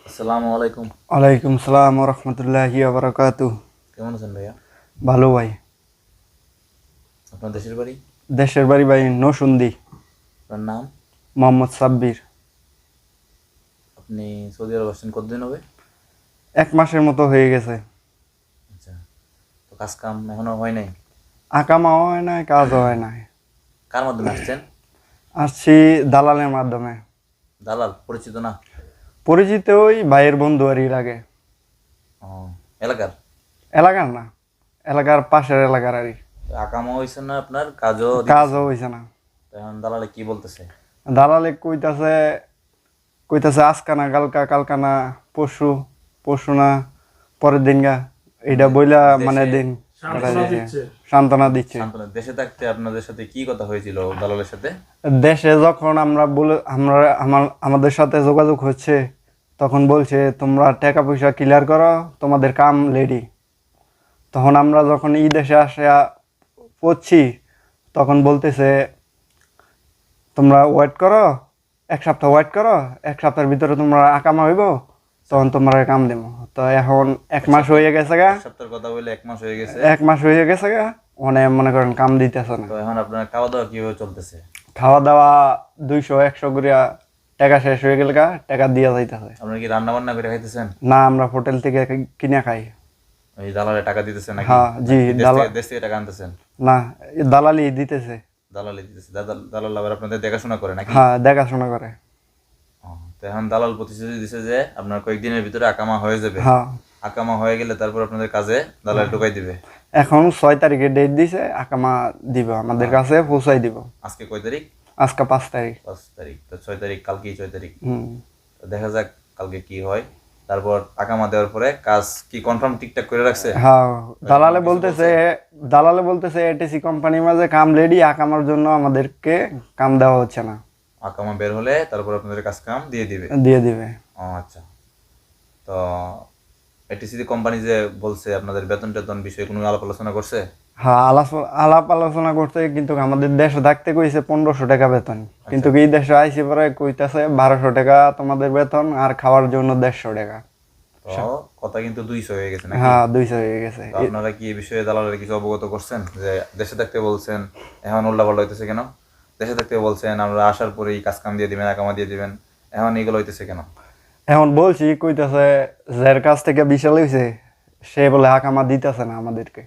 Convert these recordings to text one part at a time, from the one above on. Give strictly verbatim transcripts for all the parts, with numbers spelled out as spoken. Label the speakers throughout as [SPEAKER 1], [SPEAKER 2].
[SPEAKER 1] আসসালামু আলাইকুম।
[SPEAKER 2] ওয়ালাইকুম সালাম ওয়া রাহমাতুল্লাহি ওয়া বারাকাতুহু।
[SPEAKER 1] কেমন আছেন ভাইয়া?
[SPEAKER 2] ভালো ভাই।
[SPEAKER 1] আপনার দেশের বাড়ি?
[SPEAKER 2] দেশের বাড়ি ভাই নরসিংদী।
[SPEAKER 1] আপনার নাম?
[SPEAKER 2] মোহাম্মদ সাব্বির।
[SPEAKER 1] আপনি সৌদি আরব আসছেন কতদিন হবে?
[SPEAKER 2] এক মাসের মতো হয়ে গেছে।
[SPEAKER 1] আচ্ছা, তো কাজ কাম এখনো হয় নাই?
[SPEAKER 2] আকামাও হয় নাই, কাজও হয় নাই।
[SPEAKER 1] কার মাধ্যমে আসছেন?
[SPEAKER 2] আসছি দালালের মাধ্যমে।
[SPEAKER 1] দালাল পরিচিত না?
[SPEAKER 2] পরিচিত ওই ভাইয়ের বন্ধু আর এর আগে।
[SPEAKER 1] ও, এলাকার?
[SPEAKER 2] এলাকার না, এলাকার পাশের এলাকার আর কি।
[SPEAKER 1] তো আকামও হয়েছে না, আপনার কাজও দিতেছে
[SPEAKER 2] কাজও
[SPEAKER 1] না।
[SPEAKER 2] হয়েছে না।
[SPEAKER 1] তো এখন দালালে কি বলতেছে?
[SPEAKER 2] দালালে কইতাছে কইতাছে আজকা না কালকা, কালকা না পরশু, পরশু না পরের দিন গা। এটা
[SPEAKER 1] দে-
[SPEAKER 2] বইলা মানে
[SPEAKER 1] দেশে
[SPEAKER 2] দিন কাটাই
[SPEAKER 3] সান্ত্বনা
[SPEAKER 2] দিছে।
[SPEAKER 3] দিচ্ছে।
[SPEAKER 2] সান্ত্বনা দিচ্ছে।
[SPEAKER 1] সান্ত্বনা। দেশে থাকতে আপনাদের সাথে কি কথা হয়েছিল দালালের সাথে?
[SPEAKER 2] দেশে যখন আমরা বলে আমরা আমার আমাদের সাথে যোগাযোগ হচ্ছে, তখন বলছে তোমরা টাকা পয়সা ক্লিয়ার করো, তোমাদের কাম রেডি। তখন আমরা যখন এই দেশে আসে পড়ছি, তখন বলতেছে তোমরা ওয়েট করো, এক সপ্তাহ ওয়েট করো, এক সপ্তাহের ভিতরে তোমরা আকামা হইব, তখন তোমরা কাম দেবো। তো এখন এক মাস হয়ে গেছে গা।
[SPEAKER 1] এক সপ্তাহের কথা বলে এক মাস হয়ে গেছে।
[SPEAKER 2] এক মাস হয়ে গেছে গা, মানে মনে করেন কাম দিতেছে না।
[SPEAKER 1] তো এখন আপনার খাওয়া দাওয়া কিভাবে চলতেছে?
[SPEAKER 2] খাওয়া দাওয়া দুইশো একশো করিয়া টাকা শেষ হয়ে গেলে গা, টাকা দিয়া যাইতেছে।
[SPEAKER 1] আপনারা কি রান্না বান্না করে খাইতেছেন?
[SPEAKER 2] না, আমরা হোটেল থেকে কিনে খাই।
[SPEAKER 1] ওই দালালে টাকা দিতেছে নাকি?
[SPEAKER 2] হ্যাঁ, জি,
[SPEAKER 1] নাকি দেশ
[SPEAKER 2] দালাল।
[SPEAKER 1] থেকে দেশ থেকে টাকা আনতেছেন?
[SPEAKER 2] না, এ দালালি দিতেছে।
[SPEAKER 1] দালালি দিতেছে। দালাল দালাল আবার আপনাদের দেখাশোনা করে নাকি?
[SPEAKER 2] হ্যাঁ, দেখাশোনা করে।
[SPEAKER 1] ও, তো এখন দালাল প্রতিশ্রুতি দিছে যে আপনার কয়েকদিনের ভিতরে আকামা হয়ে যাবে।
[SPEAKER 2] হ্যাঁ,
[SPEAKER 1] আকামা হয়ে গেলে তারপর আপনাদের কাজে দালাল ঢুকাই দিবে।
[SPEAKER 2] এখন ছয় তারিখে ডেট দিছে, আকামা দিব আমাদের কাছে পৌঁছাই দিব।
[SPEAKER 1] আজকে কয় তারিখ?
[SPEAKER 2] আজকে পাঁচ তারিখ।
[SPEAKER 1] পাঁচ তারিখ। তো ছয় তারিখ কালকেই ছয় তারিখ।
[SPEAKER 2] হুম।
[SPEAKER 1] তো দেখা যাক কালকে কি হয়। তারপর আকামা দেওয়ার পরে কাজ কি কনফার্ম ঠিকঠাক করে রাখছে?
[SPEAKER 2] হ্যাঁ, দালালে
[SPEAKER 1] কিছু
[SPEAKER 2] বলতেছে দালালে বলতেছে এটিসি কোম্পানির মাঝে কাম রেডি, আকামার জন্য আমাদেরকে কাম দেওয়া হচ্ছে না।
[SPEAKER 1] আকামা বের হলে তারপর আপনাদের কাজ কাম দিয়ে দিবে।
[SPEAKER 2] দিয়ে দিবে।
[SPEAKER 1] ও আচ্ছা। তো এটিসি কোম্পানি যে বলছে আপনাদের বেতন টেতন বিষয়ে কোনো আলাপ আলোচনা করছে?
[SPEAKER 2] হ্যাঁ, আলাপ আলাপ আলোচনা করতে, কিন্তু আমাদের দেশে থাকতে কইছে পনেরোশো টাকা বেতন, কিন্তু এই দেশে আইসি পরে কইতাছে বারোশো টাকা তোমাদের বেতন, আর খাওয়ার জন্য দেড়শো টাকা।
[SPEAKER 1] তো কথা কিন্তু দুইশো হয়ে গেছে নাকি?
[SPEAKER 2] হ্যাঁ, দুইশো হয়ে গেছে।
[SPEAKER 1] তো আপনারা কি এই বিষয়ে দালালের কিছু অবগত করছেন যে দেশে থাকতে বলছেন এখন উল্টাপাল্টা হইতেছে কেন? দেশে থাকতে বলছেন আমরা আসার পরেই কাজ কাম দিয়ে দিবেন, আকামা দিয়ে দিবেন, এখন এগুলো হইতেছে কেন?
[SPEAKER 2] এখন বলছি কইতাছে যার কাছ থেকে বিশাল হইছে, সে বলে আকামা দিতেছে না আমাদেরকে।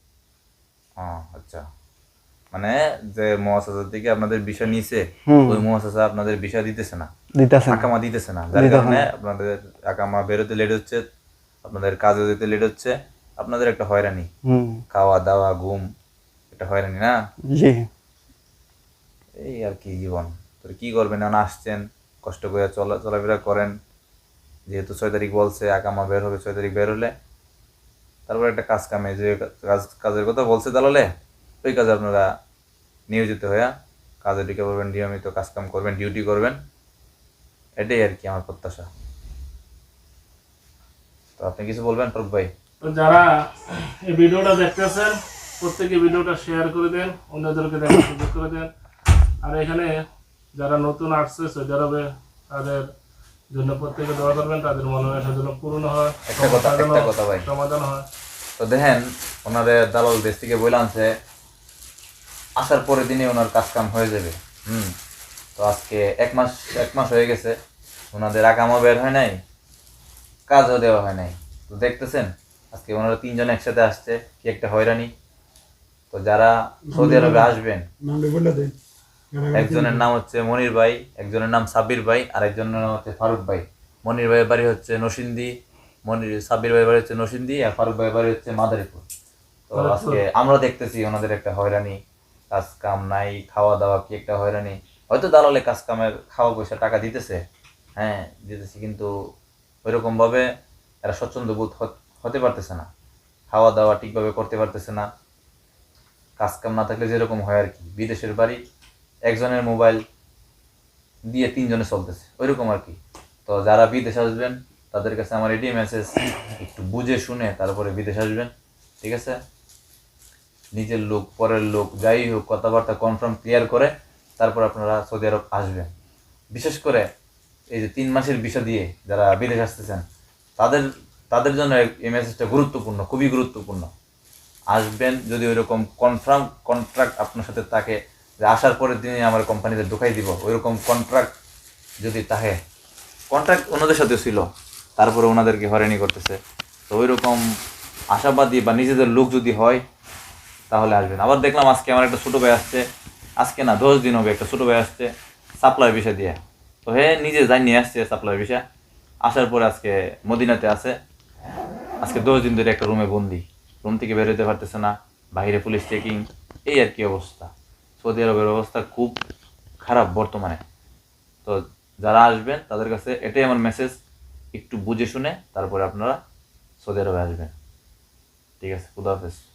[SPEAKER 1] ও আচ্ছা, মানে যে মহাসাজার থেকে আপনাদের বিষয় নিছে,
[SPEAKER 2] হুম।
[SPEAKER 1] ওই মহাসাজা আপনাদের বিষয় দিতেছে না,
[SPEAKER 2] দিতেছে না।
[SPEAKER 1] আকামা দিতেছে না, যার
[SPEAKER 2] দিতেছে
[SPEAKER 1] কারণে
[SPEAKER 2] না।
[SPEAKER 1] আপনাদের আকামা বেরোতে লেট হচ্ছে, আপনাদের কাজে যেতে লেট হচ্ছে, আপনাদের একটা হয়রানি,
[SPEAKER 2] হুম।
[SPEAKER 1] খাওয়া দাওয়া ঘুম, একটা হয়রানি না?
[SPEAKER 2] জি।
[SPEAKER 1] এই আর কি জীবন। তো কি করবেন, এখন আসছেন কষ্ট করে চলা চলাফেরা করেন, যেহেতু ছয় তারিখ বলছে আকামা বের হবে, ছয় তারিখ বের হলে তারপর একটা কাজ কামে যে কাজ কাজের কথা বলছে দালালে, ওই কাজে আপনারা নিয়োজিত হয়ে কাজে ঢুকে পড়বেন, নিয়মিত কাজ কাম করবেন, ডিউটি করবেন, এটাই আর কি আমার প্রত্যাশা। তো আপনি কিছু বলবেন ফারুক ভাই?
[SPEAKER 3] তো যারা এই ভিডিওটা দেখতেছেন, প্রত্যেকে ভিডিওটা শেয়ার করে দেন, অন্যদেরকে দেখার সুযোগ করে দেন। আর এখানে যারা নতুন আসছে সৌদি আরবে, তাদের জন্য প্রত্যেকে দোয়া করবেন, তাদের মনোবাসা যেন পূর্ণ হয়,
[SPEAKER 1] একটা কথা
[SPEAKER 3] সমস্যা যেন
[SPEAKER 1] একটা কথা ভাই,
[SPEAKER 3] সমাধান হয়।
[SPEAKER 1] তো দেখেন ওনাদের দালাল দেশ থেকে বইলে আনছে আসার পরের দিনে ওনার কাজ কাম হয়ে যাবে। হুম। তো আজকে এক মাস এক মাস হয়ে গেছে, ওনাদের আকামও বের হয় নাই, কাজও দেওয়া হয় নাই। তো দেখতেছেন আজকে ওনারা তিনজন একসাথে আসছে, কি একটা হয়রানি। তো যারা সৌদি আরবে আসবেন, একজনের নাম হচ্ছে মনির ভাই, একজনের নাম সাব্বির ভাই, আর একজনের নাম হচ্ছে ফারুক ভাই। মনির ভাইয়ের বাড়ি হচ্ছে নরসিংদী, মনির সাব্বির ভাইয়ের বাড়ি হচ্ছে নরসিংদী, আর ফারুক ভাইয়ের বাড়ি হচ্ছে মাদারীপুর। তো আজকে আমরা দেখতেছি ওনাদের একটা হয়রানি, কাজ কাম নাই, খাওয়া দাওয়া কি একটা হয়রানি। হয়তো দালালে কাজ কামের খাওয়া পয়সা টাকা দিতেছে, হ্যাঁ দিতেছে, কিন্তু ওইরকম ভাবে এরা স্বচ্ছন্দ বোধ হতে পারতেছে না, খাওয়া দাওয়া ঠিকভাবে করতে পারতেছে না। কাজ কাম না থাকলে যেরকম হয় আর কি, বিদেশের বাড়ি একজনের মোবাইল দিয়ে তিনজনে চলতেছে, ওইরকম আর কি। তো যারা বিদেশ আসবেন তাদের কাছে আমার এটাই মেসেজ, একটু বুঝে শুনে তারপরে বিদেশ আসবেন, ঠিক আছে? নিজের লোক পরের লোক যাই হোক কথাবার্তা কনফার্ম ক্লিয়ার করে তারপর আপনারা সৌদি আরব আসবেন। বিশেষ করে এই যে তিন মাসের ভিসা দিয়ে যারা বিদেশ আসতেছেন তাদের তাদের জন্য এই মেসেজটা গুরুত্বপূর্ণ, খুবই গুরুত্বপূর্ণ। আসবেন যদি ওইরকম কনফার্ম কন্ট্রাক্ট আপনার সাথে থাকে যে আসার পরের দিনে আমার কোম্পানিতে ঢুকাই দিব, ওইরকম কন্ট্রাক্ট যদি থাকে, কন্ট্রাক্ট ওনাদের সাথে ছিল তারপরে ওনাদেরকে হয়রানি করতেছে, তো ওইরকম আশাবাদী বা নিজেদের লোক যদি হয় তাহলে আসবেন। আবার দেখলাম আজকে আমার একটা ছোটো ভাই আসছে, আজকে না দশ দিন হবে একটা ছোটো ভাই আসছে সাপ্লাই ভিসা দিয়ে, তো হে নিজে যাই নিয়ে আসছে সাপ্লাই ভিসা, আসার পরে আজকে মদিনাতে আছে, আজকে দশ দিন ধরে একটা রুমে বন্দি, রুম থেকে বেরোতে পারতেছে না, বাইরে পুলিশ চেকিং, এই আর কি অবস্থা। সৌদি আরবের অবস্থা খুব খারাপ বর্তমানে। তো যারা আসবেন তাদের কাছে এটাই আমার মেসেজ, একটু বুঝে শুনে তারপরে আপনারা সৌদি আরবে আসবেন। ঠিক আছে, খুদা হাফেজ।